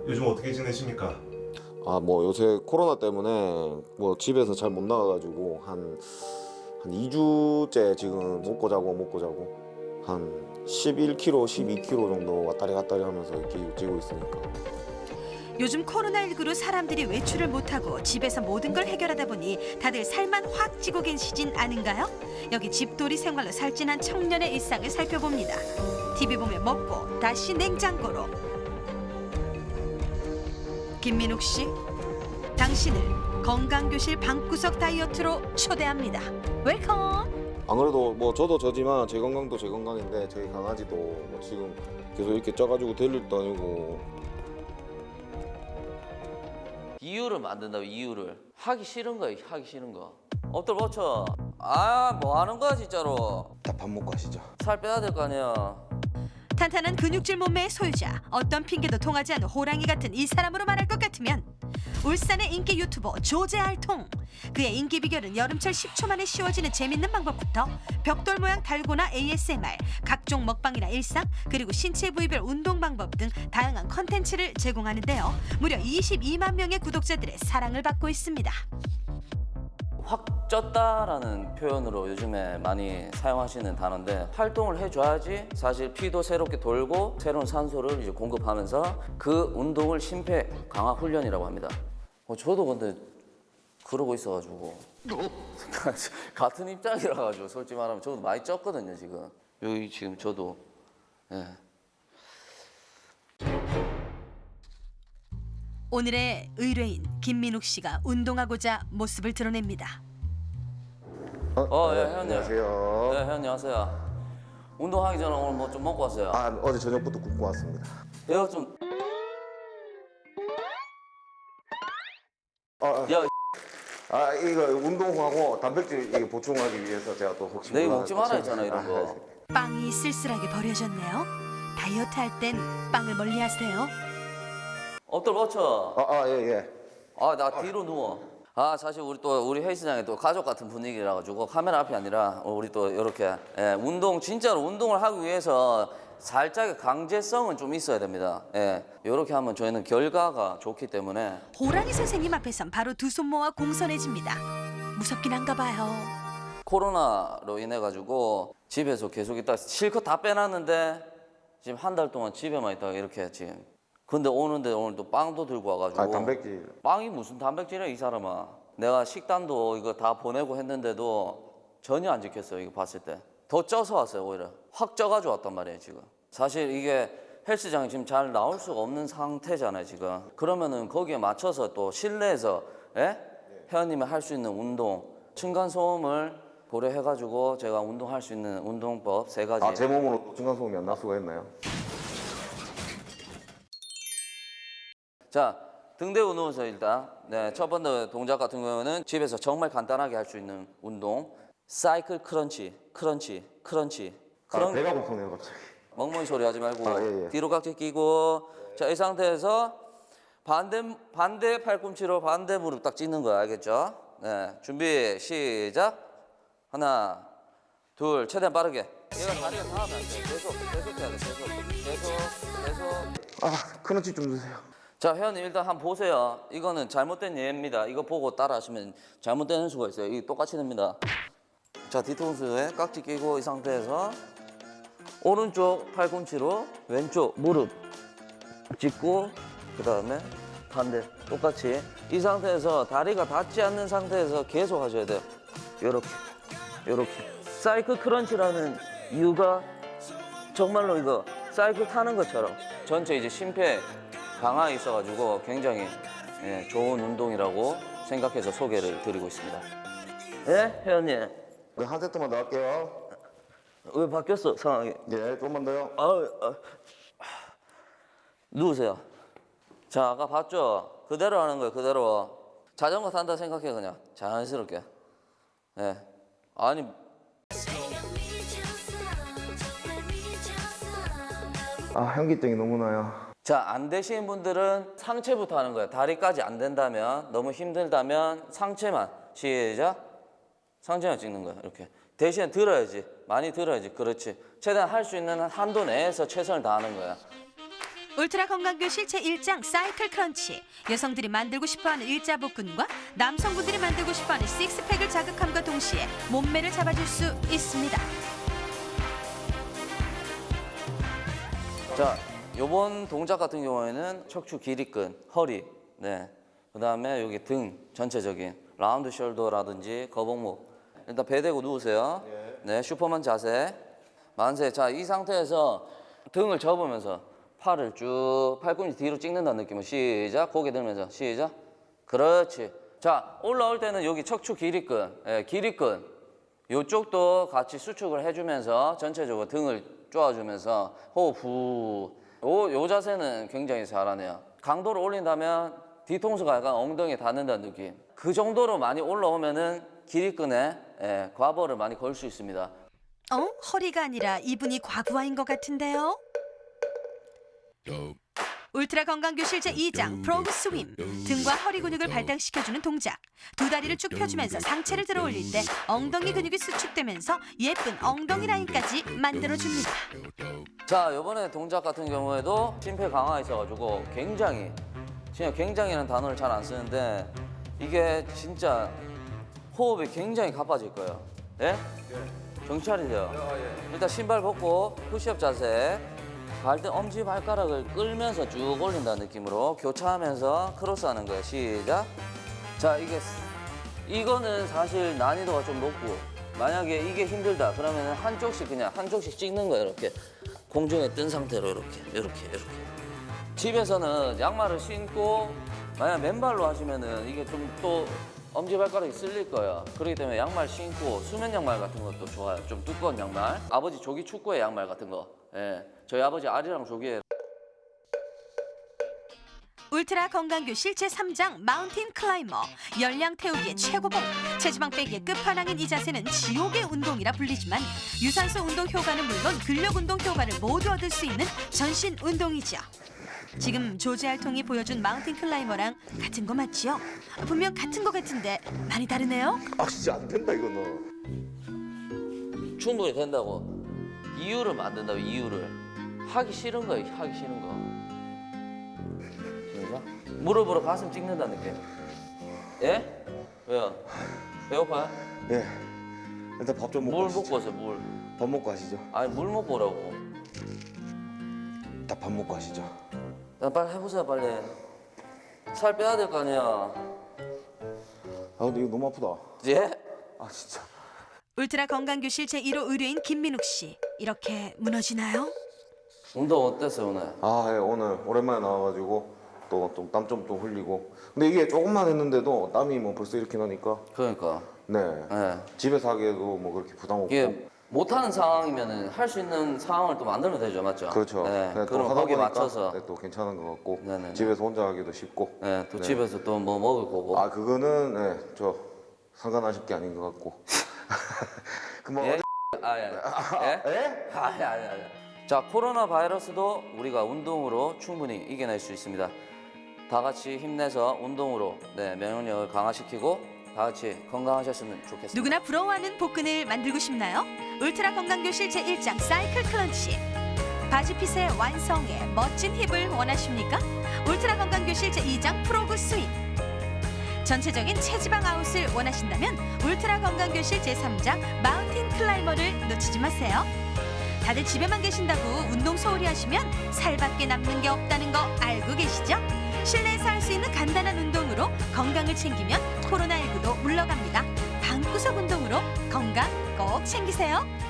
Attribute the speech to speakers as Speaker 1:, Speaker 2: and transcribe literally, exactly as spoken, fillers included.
Speaker 1: 요즘 어떻게 지내십니까?
Speaker 2: 아, 뭐 요새 코로나 때문에 뭐 집에서 잘 못 나가가지고 한, 한 이 주째 지금 먹고 자고 먹고 자고 한 십일 킬로그램, 십이 킬로그램 정도 왔다리 갔다리 하면서 이렇게 찌고 있으니까.
Speaker 3: 요즘 코로나십구로 사람들이 외출을 못하고 집에서 모든 걸 해결하다 보니 다들 살만 확 찌고 계시진 않은가요? 여기 집돌이 생활로 살찐한 청년의 일상을 살펴봅니다. 티비 보며 먹고 다시 냉장고로. 김민욱 씨, 당신을 건강교실 방구석 다이어트로 초대합니다. 웰컴!
Speaker 2: 안 그래도 뭐 저도 저지만 제 건강도 제 건강인데 저희 강아지도 뭐 지금 계속 이렇게 쪄가지고 될 일도 아니고.
Speaker 4: 이유를 만든다고. 이유를 하기 싫은 거야. 하기 싫은 거. 엎드려 버쳐. 아, 뭐 하는 거야 진짜로.
Speaker 2: 다 밥 먹고 하시죠.
Speaker 4: 살 빼야 될 거 아니야.
Speaker 3: 탄탄한 근육질 몸매의 소유자, 어떤 핑계도 통하지 않는 호랑이 같은 이 사람으로 말할 것 같으면 울산의 인기 유튜버 조제알통. 그의 인기 비결은 여름철 십 초 만에 쉬워지는 재밌는 방법부터 벽돌 모양 달고나 에이에스엠알, 각종 먹방이나 일상, 그리고 신체 부위별 운동 방법 등 다양한 컨텐츠를 제공하는데요. 무려 이십이만 명의 구독자들의 사랑을 받고 있습니다.
Speaker 4: 확 쪘다라는 표현으로 요즘에 많이 사용하시는 단어인데, 활동을 해줘야지 사실 피도 새롭게 돌고 새로운 산소를 이제 공급하면서 그 운동을 심폐 강화 훈련이라고 합니다. 어, 저도 근데 그러고 있어가지고 같은 입장이라 가지고 솔직히 말하면 저도 많이 쪘거든요 지금. 여기 지금 저도 예.
Speaker 3: 오늘의 의뢰인 김민욱 씨가 운동하고자 모습을 드러냅니다.
Speaker 4: 어, 예, 회원님.
Speaker 2: 안녕하세요.
Speaker 4: 네, 회원님 하세요. 운동하기 전에 오늘 뭐 좀 먹고 왔어요.
Speaker 2: 아, 어제 저녁부터 굶고 왔습니다.
Speaker 4: 내가 좀
Speaker 2: 아, 아.
Speaker 4: 야,
Speaker 2: 아, 이거 운동하고 단백질 이게 보충하기 위해서 제가 또 혹시
Speaker 4: 내가
Speaker 2: 몰라서
Speaker 4: 먹지 말아
Speaker 2: 또
Speaker 4: 했잖아 이런
Speaker 2: 아,
Speaker 4: 거.
Speaker 3: 빵이 쓸쓸하게 버려졌네요. 다이어트 할 땐 빵을 멀리 하세요.
Speaker 4: 엎드려 버쳐.
Speaker 2: 아, 아, 예, 예.
Speaker 4: 아, 나 뒤로 누워. 아, 사실 우리 또 우리 헬스장에 또 가족 같은 분위기라 가지고 카메라 앞이 아니라 우리 또 이렇게 예, 운동 진짜로 운동을 하기 위해서 살짝의 강제성은 좀 있어야 됩니다. 예, 이렇게 하면 저희는 결과가 좋기 때문에.
Speaker 3: 호랑이 선생님 앞에선 바로 두 손 모아 공손해집니다. 무섭긴 한가 봐요.
Speaker 4: 코로나로 인해 가지고 집에서 계속 있다 실컷 다 빼놨는데 지금 한 달 동안 집에만 있다가 이렇게 지금. 근데 오는데 오늘 또 빵도 들고 와가지고.
Speaker 2: 아, 단백질.
Speaker 4: 빵이 무슨 단백질이야 이 사람아. 내가 식단도 이거 다 보내고 했는데도 전혀 안 지켰어요. 이거 봤을 때 더 쪄서 왔어요. 오히려 확 쪄가지고 왔단 말이에요 지금. 사실 이게 헬스장이 지금 잘 나올 수가 없는 상태잖아요 지금. 그러면은 거기에 맞춰서 또 실내에서 예? 회원님이 할 수 있는 운동, 층간소음을 고려해가지고 제가 운동할 수 있는 운동법 세 가지.
Speaker 2: 아, 제 몸으로 층간소음이 안 날 수가 있나요?
Speaker 4: 자, 등대고 누워서 일단 네, 첫 번째 동작 같은 경우는 집에서 정말 간단하게 할 수 있는 운동, 사이클 크런치, 크런치, 크런치.
Speaker 2: 아,
Speaker 4: 크런...
Speaker 2: 배가 고프네요 갑자기.
Speaker 4: 멍멍이 소리 하지 말고
Speaker 2: 아, 예, 예.
Speaker 4: 뒤로 깍지 끼고. 자, 이 상태에서 반대 반대 팔꿈치로 반대 무릎 딱 찢는 거야, 알겠죠? 네, 준비 시작. 하나, 둘, 최대한 빠르게. 얘가 다리가 닿으면 안 돼. 계속 계속 해야 돼. 계속 계속 계속.
Speaker 2: 아, 크런치 좀 주세요.
Speaker 4: 자, 회원님 일단 한번 보세요. 이거는 잘못된 예입니다. 이거 보고 따라하시면 잘못되는 수가 있어요. 이게 똑같이 됩니다. 자, 뒤통수에 깍지 끼고 이 상태에서 오른쪽 팔꿈치로 왼쪽 무릎 짚고 그 다음에 반대 똑같이 이 상태에서 다리가 닿지 않는 상태에서 계속 하셔야 돼요. 요렇게 요렇게. 사이클 크런치라는 이유가 정말로 이거 사이클 타는 것처럼 전체 이제 심폐 강화에 있어가지고 굉장히 예, 좋은 운동이라고 생각해서 소개를 드리고 있습니다. 예, 회원님.
Speaker 2: 네, 한 세트만 더 할게요.
Speaker 4: 왜 바뀌었어 상황이?
Speaker 2: 예, 좀만 더요.
Speaker 4: 아, 아, 누우세요. 자, 아까 봤죠? 그대로 하는 거예요. 그대로. 자전거 탄다 생각해 그냥 자연스럽게. 예. 아니.
Speaker 2: 아, 현기증이 너무 나요.
Speaker 4: 자, 안 되시는 분들은 상체부터 하는 거예요. 다리까지 안 된다면, 너무 힘들다면 상체만. 시작. 상체만 찍는 거예요. 이렇게. 대신에 들어야지. 많이 들어야지. 그렇지. 최대한 할 수 있는 한도 내에서 최선을 다하는 거야.
Speaker 3: 울트라 건강교실 제일 장 사이클 크런치. 여성들이 만들고 싶어하는 일자복근과 남성분들이 만들고 싶어하는 식스팩을 자극함과 동시에 몸매를 잡아줄 수 있습니다.
Speaker 4: 자, 요번 동작 같은 경우에는 척추 길이근, 허리, 네. 그 다음에 여기 등 전체적인 라운드 숄더라든지 거북목. 일단 배 대고 누우세요. 네, 슈퍼맨 자세. 만세. 자, 이 상태에서 등을 접으면서 팔을 쭉 팔꿈치 뒤로 찍는다는 느낌으로 시작. 고개 들면서 시작. 그렇지. 자, 올라올 때는 여기 척추 길이근, 예, 길이근 요쪽도 같이 수축을 해주면서 전체적으로 등을 쪼아주면서 호흡 후. 요, 요 자세는 굉장히 잘하네요. 강도를 올린다면 뒤통수가 약간 엉덩이에 닿는다는 느낌. 그 정도로 많이 올라오면은 길이근에 예, 과부하를 많이 걸 수 있습니다.
Speaker 3: 어? 허리가 아니라 이분이 과부하인 것 같은데요? 울트라 건강교실 제이 장 프로그 스윙. 등과 허리 근육을 발달시켜주는 동작. 두 다리를 쭉 펴주면서 상체를 들어 올릴 때 엉덩이 근육이 수축되면서 예쁜 엉덩이 라인까지 만들어줍니다.
Speaker 4: 자, 이번에 동작 같은 경우에도 심폐 강화 있어가지고 굉장히 진짜 굉장히라는 단어를 잘 안 쓰는데 이게 진짜 호흡이 굉장히 가빠질 거예요. 예? 정신 차리세요. 일단 신발 벗고 푸시업 자세. 발등 엄지 발가락을 끌면서 쭉 올린다는 느낌으로 교차하면서 크로스하는 거예요. 시작. 자, 이게 이거는 사실 난이도가 좀 높고 만약에 이게 힘들다 그러면 한쪽씩 그냥 한쪽씩 찍는 거예요. 이렇게 공중에 뜬 상태로 이렇게 이렇게 이렇게. 집에서는 양말을 신고 만약 맨발로 하시면은 이게 좀 또 엄지발가락이 쓸릴 거예요. 그렇기 때문에 양말 신고 수면 양말 같은 것도 좋아요. 좀 두꺼운 양말. 아버지 조기 축구의 양말 같은 거. 예. 저희 아버지 아리랑 조기에.
Speaker 3: 울트라 건강교실 제삼 장 마운틴 클라이머. 열량 태우기의 최고봉. 체지방 빼기의 끝판왕인 이 자세는 지옥의 운동이라 불리지만 유산소 운동 효과는 물론 근력 운동 효과를 모두 얻을 수 있는 전신 운동이죠. 지금 조지 알통이 보여준 마운틴 클라이머랑 같은 거 맞지요? 분명 같은 거 같은데 많이 다르네요?
Speaker 2: 아 진짜 안 된다 이거는.
Speaker 4: 충분히 된다고. 이유를 만든다고 이유를. 하기 싫은 거예요. 하기 싫은 거. 시작. 무릎으로 가슴 찍는다는 느낌. 예? 왜요? 배고파요?
Speaker 2: 예. 일단 밥 좀 먹고
Speaker 4: 물
Speaker 2: 가시죠.
Speaker 4: 먹고 오세요. 물.
Speaker 2: 밥 먹고 가시죠.
Speaker 4: 아니 물 먹고 오라고.
Speaker 2: 딱 밥 먹고 가시죠.
Speaker 4: 야, 빨리 해보세요. 빨리. 살 빼야 될 거 아니야.
Speaker 2: 아 근데 이거 너무 아프다.
Speaker 4: 예?
Speaker 2: 아 진짜.
Speaker 3: 울트라 건강교실 제일 호 의뢰인 김민욱 씨. 이렇게 무너지나요?
Speaker 4: 운동 어땠어요 오늘?
Speaker 2: 아 예, 오늘 오랜만에 나와가지고 또 좀 땀 좀 또 흘리고. 근데 이게 조금만 했는데도 땀이 뭐 벌써 이렇게 나니까.
Speaker 4: 그러니까.
Speaker 2: 네.
Speaker 4: 예.
Speaker 2: 집에서 하기에도 뭐 그렇게 부담 없고.
Speaker 4: 이게 못하는 상황이면은 할 수 있는 상황을 또 만들면 되죠, 맞죠?
Speaker 2: 그렇죠.
Speaker 4: 네.
Speaker 2: 네, 또
Speaker 4: 그럼
Speaker 2: 하다
Speaker 4: 거기에
Speaker 2: 보니까
Speaker 4: 맞춰서.
Speaker 2: 네, 또 괜찮은 것 같고.
Speaker 4: 네네네.
Speaker 2: 집에서 혼자 하기도 쉽고.
Speaker 4: 네, 또
Speaker 2: 네.
Speaker 4: 집에서 또 뭐 먹을 거고.
Speaker 2: 아 그거는 네, 저 상관하실 게 아닌 것 같고. 그뭐
Speaker 4: 예? 아, 예. 예?
Speaker 2: 예?
Speaker 4: 아, 예, 아니, 아니. 자, 코로나 바이러스도 우리가 운동으로 충분히 이겨낼 수 있습니다. 다 같이 힘내서 운동으로 네, 면역력을 강화시키고 다 같이 건강하셨으면 좋겠습니다.
Speaker 3: 누구나 부러워하는 복근을 만들고 싶나요? 울트라 건강교실 제일 장 사이클 클런치. 바지핏의 완성에 멋진 힙을 원하십니까? 울트라 건강교실 제이 장 프로그 스윙. 전체적인 체지방 아웃을 원하신다면 울트라 건강교실 제삼 장 마운틴 클라이머를 놓치지 마세요. 다들 집에만 계신다고 운동 소홀히 하시면 살밖에 남는 게 없다는 거 알고 계시죠? 실내에서 할 수 있는 간단한 운동으로 건강을 챙기면 코로나 십구도 물러갑니다. 방구석 운동으로 건강 꼭 챙기세요.